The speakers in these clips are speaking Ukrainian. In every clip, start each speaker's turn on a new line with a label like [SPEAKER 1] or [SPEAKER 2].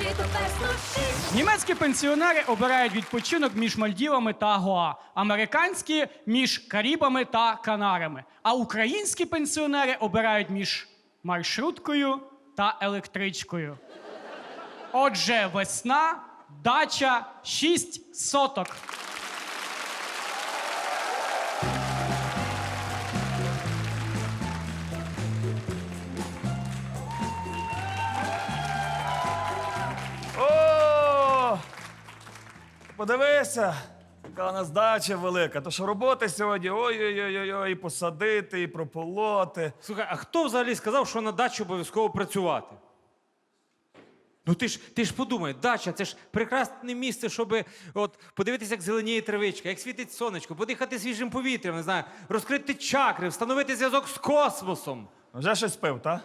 [SPEAKER 1] Німецькі пенсіонери обирають відпочинок між Мальдівами та Гоа, американські – між Карибами та Канарами, а українські пенсіонери обирають між маршруткою та електричкою. Отже, весна, дача, 6 соток.
[SPEAKER 2] О! Подивися, яка у нас дача велика. То що роботи сьогодні, ой-ой-ой, і посадити, і прополоти.
[SPEAKER 3] Слухай, а хто взагалі сказав, що на дачі обов'язково працювати? Ну ти ж подумай, дача – це ж прекрасне місце, щоб от, подивитися, як зеленіє травичка, як світить сонечко, подихати свіжим повітрям, не знаю, розкрити чакри, встановити зв'язок з космосом.
[SPEAKER 2] Вже щось пив, та?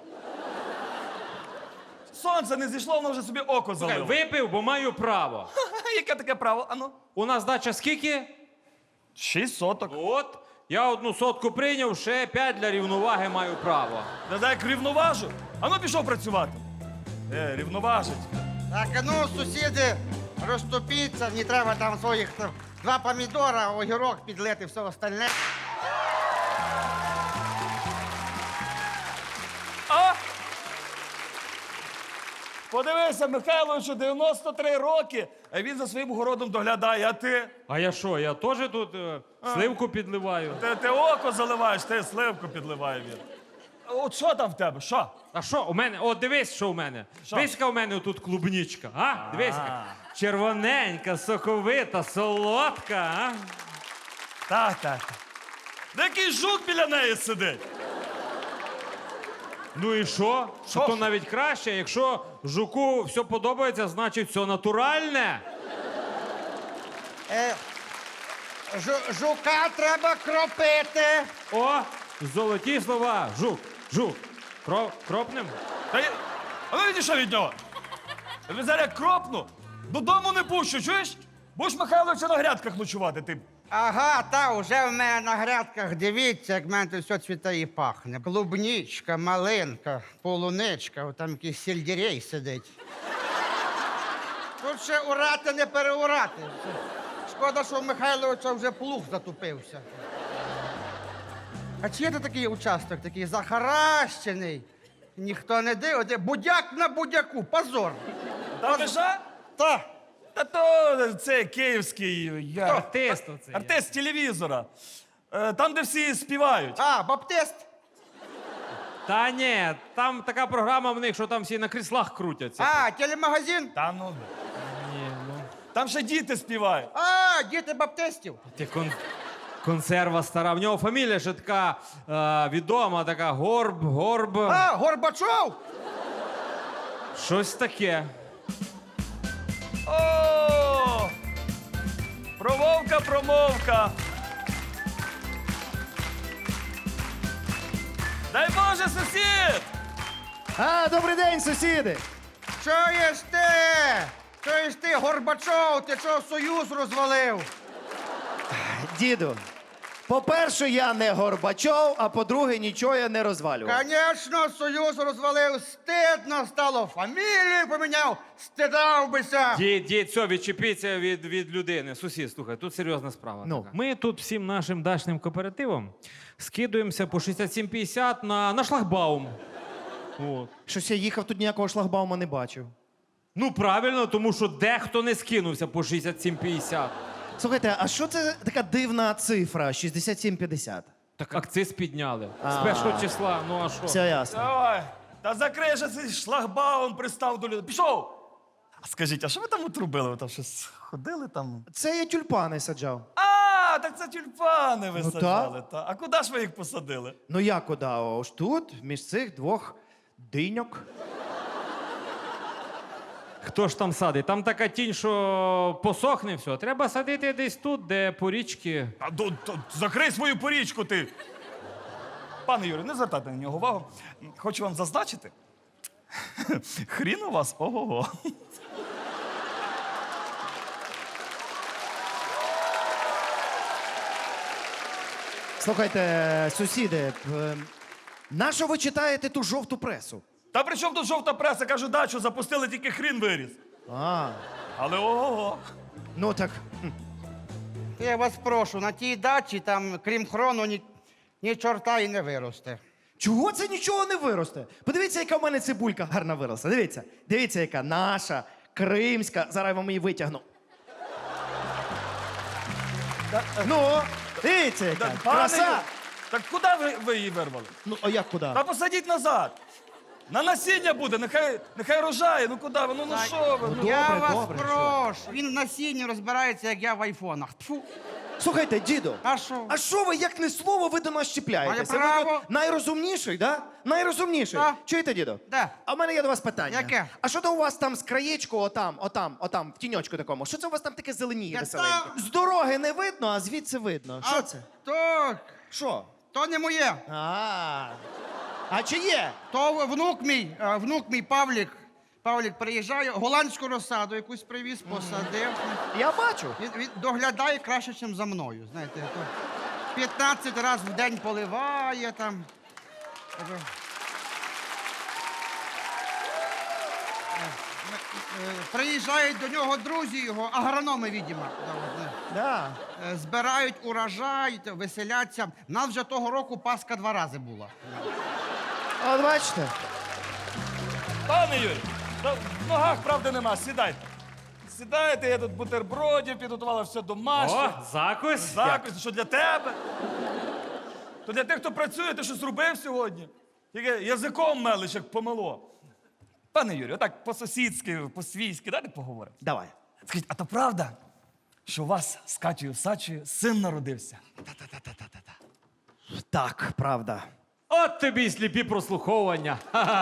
[SPEAKER 2] Сонце не зійшло, воно вже собі око
[SPEAKER 3] Слухай,
[SPEAKER 2] залило.
[SPEAKER 3] випив, бо маю право.
[SPEAKER 2] Яке таке право? Ану.
[SPEAKER 3] У нас дача скільки?
[SPEAKER 2] 6 соток.
[SPEAKER 3] От, я 1 сотку прийняв, ще 5 для рівноваги маю право.
[SPEAKER 2] Не знаю, як рівноважу. Ану пішов працювати. Рівноважить.
[SPEAKER 4] Так, а ну, сусіди, розступіться, не треба там своїх 2 помідора, огірок підлити, все остальне.
[SPEAKER 2] А? Подивися, Михайловичу, 93 роки, а він за своїм городом доглядає, а ти?
[SPEAKER 3] А я що, я теж тут сливку підливаю?
[SPEAKER 2] Ти око заливаєш, ти сливку підливає він. От що там в тебе, що?
[SPEAKER 3] А що у мене? О, дивись, що у мене.
[SPEAKER 2] Що?
[SPEAKER 3] Дивись, яка у мене тут клубнічка. А? Дивись, яка. Червоненька, соковита, солодка, а?
[SPEAKER 2] Так. Да який жук біля неї сидить?
[SPEAKER 3] Ну і що?
[SPEAKER 2] Що?
[SPEAKER 3] То навіть краще. Якщо жуку все подобається, значить все натуральне.
[SPEAKER 4] Жука треба кропити.
[SPEAKER 3] О, золоті слова. Жук. Кропнем?
[SPEAKER 2] А ну відійшов від нього. Я зараз як кропну, додому не пущу, чуєш? Будеш Михайловича на грядках ночувати, ти.
[SPEAKER 4] Ага, та, уже в мене на грядках, дивіться, як в мене тут все цвіте і пахне. Клубнічка, малинка, полуничка, там якийсь сельдерей сидить. Тут ще урати не переурати. Шкода, що в Михайловича вже плуг затупився. А чи є тут такий участок, такий захаращений? Ніхто не дивиться. Будяк на будяку, позор.
[SPEAKER 2] Там лиша?
[SPEAKER 4] Та,
[SPEAKER 2] Та то це київський
[SPEAKER 3] Артист оцей.
[SPEAKER 2] артист телевізора. Там, де всі співають.
[SPEAKER 4] баптист.
[SPEAKER 3] Та ні, там така програма в них, що там всі на кріслах крутяться.
[SPEAKER 4] Телемагазин.
[SPEAKER 2] Та ну.
[SPEAKER 3] Ні, ну.
[SPEAKER 2] Там ще діти співають.
[SPEAKER 4] Діти баптистів.
[SPEAKER 3] Ти консерва стара. В нього фамілія ще така відома, така Горб.
[SPEAKER 4] Горбачов.
[SPEAKER 3] Щось таке.
[SPEAKER 2] О! Промовка. Дай Боже, сусід!
[SPEAKER 5] Добрий день, сусіди!
[SPEAKER 4] Чуєш ти, Горбачов, ти чого Союз розвалив?
[SPEAKER 5] Діду, по-перше, я не Горбачов, а по-друге, нічого я не розвалював.
[SPEAKER 4] Конечно, Союз розвалив, стидно стало, фамілію поміняв, стидав бися.
[SPEAKER 3] Дід, все, відчепіться від людини. Сусід, слухай, тут серйозна справа.
[SPEAKER 5] Ну.
[SPEAKER 3] Така. Ми тут всім нашим дачним кооперативом скидуємося по 67,50 на шлагбаум. От.
[SPEAKER 5] Щось я їхав, тут ніякого шлагбаума не бачив.
[SPEAKER 3] Ну, правильно, тому що дехто не скинувся по 67,50.
[SPEAKER 5] Слухайте, а що це така дивна цифра 67,50?
[SPEAKER 3] Так акциз підняли. З 1 числа, ну а що?
[SPEAKER 5] Все ясно.
[SPEAKER 2] Давай. Та закрий же цей шлагбаум, пристав до людей. Пішов! А скажіть, а що ви там отрубили? Ви там щось ходили там?
[SPEAKER 5] Це я тюльпани саджав.
[SPEAKER 2] Так це тюльпани ви
[SPEAKER 5] Ну,
[SPEAKER 2] саджали. А куди ж ви їх посадили?
[SPEAKER 5] Ну я куди? Ось тут, між цих двох диньок.
[SPEAKER 3] Хто ж там садить? Там така тінь, що посохне все. Треба садити десь тут, де по річки.
[SPEAKER 2] Закрий свою порічку, ти. Пане Юрій, не звертайте на нього увагу. Хочу вам зазначити. Хрін у вас, ого-го.
[SPEAKER 5] Слухайте, сусіди, нащо ви читаєте ту жовту пресу?
[SPEAKER 2] Та при чому тут жовта преса? Кажу, дачу запустили, тільки хрін виріс.
[SPEAKER 5] А,
[SPEAKER 2] Але ого-го.
[SPEAKER 5] ну так.
[SPEAKER 4] Я вас прошу, на тій дачі там, крім хрону, ні чорта і не виросте.
[SPEAKER 5] Чого це нічого не виросте? Подивіться, яка в мене цибулька гарна виросла. Дивіться. Дивіться, яка наша, кримська. Зараз я вам її витягну. Ну, дивіться, яка.
[SPEAKER 2] Пане
[SPEAKER 5] Краса.
[SPEAKER 2] Юрій, так куди ви її вирвали?
[SPEAKER 5] Ну, а як куди?
[SPEAKER 2] Та посадіть назад. На насіння буде, нехай рожає. Ну куди ви? Ну що ви? Ну,
[SPEAKER 4] Я
[SPEAKER 5] добре,
[SPEAKER 4] вас
[SPEAKER 5] добре,
[SPEAKER 4] прошу. Він в насінні розбирається, як я в айфонах. Тфу.
[SPEAKER 5] Слухайте, діду.
[SPEAKER 4] А що?
[SPEAKER 5] А що ви, як не слово, ви до нас чіпляєтеся?
[SPEAKER 4] Має право.
[SPEAKER 5] Ви тут найрозумніший, да? Найрозумніший.
[SPEAKER 4] Так.
[SPEAKER 5] Чуєте, діду?
[SPEAKER 4] Да.
[SPEAKER 5] А в мене є до вас питання.
[SPEAKER 4] Яке?
[SPEAKER 5] А що то у вас там з краєчку, отам, в тіньочку такому? Що це у вас там таке зеленіє
[SPEAKER 4] Я
[SPEAKER 5] веселеньке?
[SPEAKER 4] там-
[SPEAKER 5] З дороги не видно, а звідси видно. Що це?
[SPEAKER 4] Так,
[SPEAKER 5] Що?
[SPEAKER 4] то не моє.
[SPEAKER 5] А чи є?
[SPEAKER 4] То внук мій Павлік. Павлік приїжджає, голландську розсаду якусь привіз, посадив.
[SPEAKER 5] Я бачу.
[SPEAKER 4] Він доглядає краще, ніж за мною. Знаєте, то 15 разів в день поливає там. Приїжджають до нього друзі його, агрономи, відомо.
[SPEAKER 5] Да.
[SPEAKER 4] Збирають урожай, веселяться. Нас вже того року Пасха 2 рази була.
[SPEAKER 5] От бачите.
[SPEAKER 2] Пане Юрій, та в ногах правди нема, сідайте. Сідайте, я тут бутербродів, підготувала все домашнє.
[SPEAKER 3] О, закусь.
[SPEAKER 2] Закусь, що для тебе? То для тих, хто працює, ти щось робив сьогодні? Тільки язиком мелиш, як помило. Пане Юрію, отак по-сусідськи, по-свійськи, дайте поговоримо.
[SPEAKER 5] Давай.
[SPEAKER 2] Скажіть, а то правда, що у вас з Катєю Сачею син народився?
[SPEAKER 5] Так, правда.
[SPEAKER 3] От тобі й сліпі прослуховування.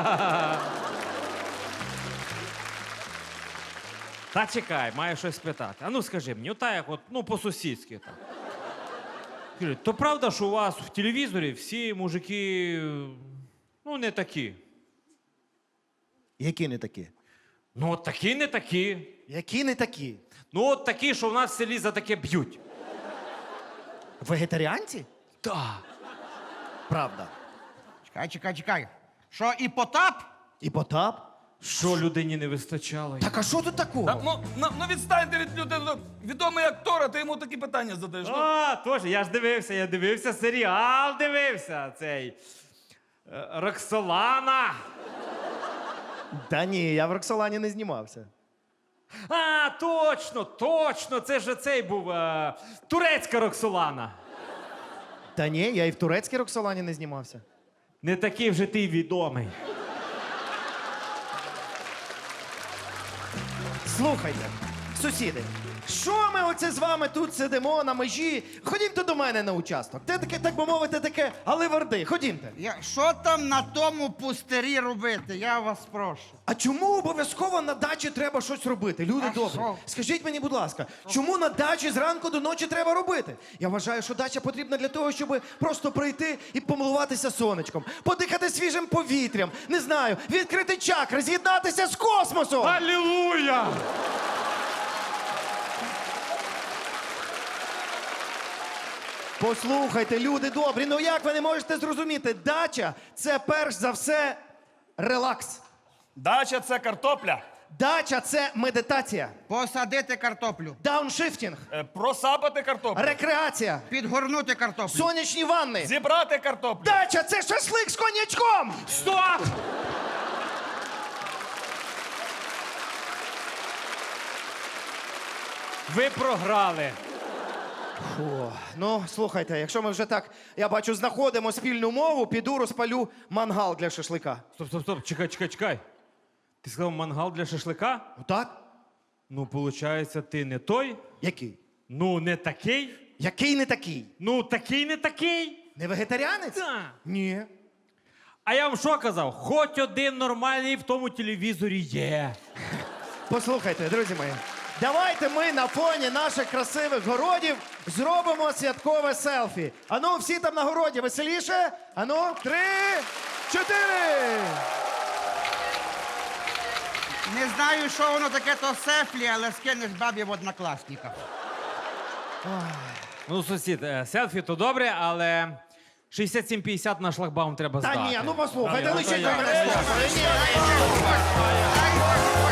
[SPEAKER 3] Та чекай, маю щось питати. А ну скажи мені, ота як от, ну по-сусідськи так. Скажи, то правда, що у вас в телевізорі всі мужики, ну, не такі?
[SPEAKER 5] Які не такі?
[SPEAKER 3] Ну, от такі, не такі.
[SPEAKER 5] Які не такі?
[SPEAKER 3] Ну, от такі, що в нас в селі за таке б'ють.
[SPEAKER 5] Вегетаріанці?
[SPEAKER 3] Так.
[SPEAKER 5] Правда.
[SPEAKER 4] Чекай. Що, і Потап?
[SPEAKER 5] І Потап?
[SPEAKER 3] Що людині не вистачало?
[SPEAKER 5] Так а що тут такого?
[SPEAKER 2] Та, ну відстаньте від людей. Ну, відомий актор, а ти йому такі питання задаєш. Ну,
[SPEAKER 3] А, тож, я дивився серіал, цей. Роксолана.
[SPEAKER 5] Та ні, я в Роксолані не знімався.
[SPEAKER 3] А, точно, це ж цей був турецька Роксолана.
[SPEAKER 5] Та ні, я і в турецькій Роксолані не знімався.
[SPEAKER 3] Не такий вже ти відомий.
[SPEAKER 5] Слухайте, сусіди, що ми оце з вами тут сидимо на межі? Ходімте до мене на участок. Це таке, так би мовити, таке аливарди. Ходімте.
[SPEAKER 4] Що там на тому пустирі робити? Я вас прошу.
[SPEAKER 5] А чому обов'язково на дачі треба щось робити? Люди
[SPEAKER 4] А
[SPEAKER 5] добрі.
[SPEAKER 4] що?
[SPEAKER 5] Skажіть мені, будь ласка, чому на дачі зранку до ночі треба робити? Я вважаю, що дача потрібна для того, щоб просто прийти і помилуватися сонечком, подихати свіжим повітрям, не знаю, відкрити чакри, з'єднатися з космосом.
[SPEAKER 3] Алілуя!
[SPEAKER 5] Послухайте, люди добрі, ну як ви не можете зрозуміти? Дача – це перш за все релакс.
[SPEAKER 2] дача це картопля.
[SPEAKER 5] Дача – це медитація,
[SPEAKER 4] Посадити картоплю,
[SPEAKER 5] дауншифтінг,
[SPEAKER 2] Просапати картоплю.
[SPEAKER 5] рекреація,
[SPEAKER 4] підгорнути картоплю.
[SPEAKER 5] сонячні ванни.
[SPEAKER 2] Зібрати картоплю.
[SPEAKER 5] Дача – це шашлик з коньячком!
[SPEAKER 3] Стоп! Ви програли.
[SPEAKER 5] Фу. Ну, слухайте, якщо ми вже так, я бачу, знаходимо спільну мову, піду розпалю мангал для шашлика.
[SPEAKER 3] Стоп, чекай. Ти сказав мангал для шашлика?
[SPEAKER 5] Отак?
[SPEAKER 3] Ну, виходить, ти не той?
[SPEAKER 5] Який?
[SPEAKER 3] Ну, не такий?
[SPEAKER 5] Який не такий?
[SPEAKER 3] Ну, такий не такий?
[SPEAKER 5] Не вегетаріанець?
[SPEAKER 3] Так.
[SPEAKER 5] Ні.
[SPEAKER 3] А я вам що казав? Хоч один нормальний в тому телевізорі є.
[SPEAKER 5] Послухайте, друзі мої, давайте ми на фоні наших красивих городів зробимо святкове селфі. Ану, всі там на городі веселіше. Ану, 3, 4.
[SPEAKER 4] Не знаю, що воно таке, то сефлі, але скинеш бабі в однокласниках.
[SPEAKER 3] Ну, сусід, селфі то добре, але 67,50 на шлагбаум треба здати.
[SPEAKER 5] Та ні, ну послухайте,
[SPEAKER 3] ну,
[SPEAKER 5] лишіть
[SPEAKER 3] то
[SPEAKER 5] ви
[SPEAKER 3] я.
[SPEAKER 5] мене слухати. Ні.